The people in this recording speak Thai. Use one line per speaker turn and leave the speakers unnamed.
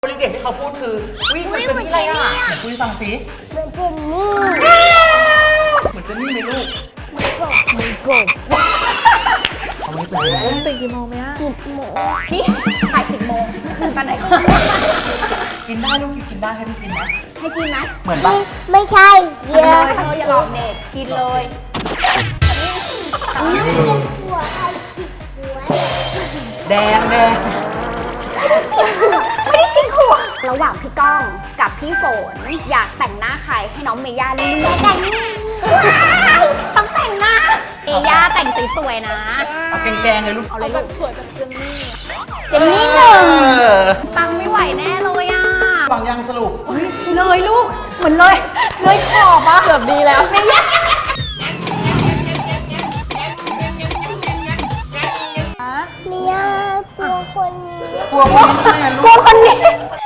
บริเดตที่เขาพูดคือวิ่งเหมือนเจนนี่อะไรอ่ะไหนคุยฟังสิ
เหมือนเจนนี่
เหมือนเจนนี่ไหมลูก
มือกบ
เอาไม่เป็นไร
ตื่นกี่โมงไหมอะ
10 โมง
นี่ถ่าย10 โมงตื่นตอนไหน
กินได้ลูกกินได้ให้พี่กินนะ
ให้กินไหม
เหมือน
กิ
ปะ
นไม่ใช่เย
กิน
อะ
เลยเธออย่าหลอกเด็กกินเลย
นี่เป็นหัวใครจิกหัว
แดง
ไม่ได้กินหัวระหว่างพี่ก้องกับพี่ฝนอยากแต่งหน้าใครให้น้องเมย่าเลือก
แต่นี่
ต้องแต่งหน้าเอย่าแต่งสวยๆนะ
เอาแกงๆเลยลูก
เอาเลยลูก
สวยแบบเจนนี่
เจนนี่หนึ่งปังไม่ไหวแน่เลยอ่ะ
ฟังยังสรุป
เลยลูกเหมือนเลยขอบอะเกือบดีแล้วเมย่า
เมียตัวคนนี้
กลัวคนนี้ใช่ไหม
กลั
ลู
ว
ก
คนนี้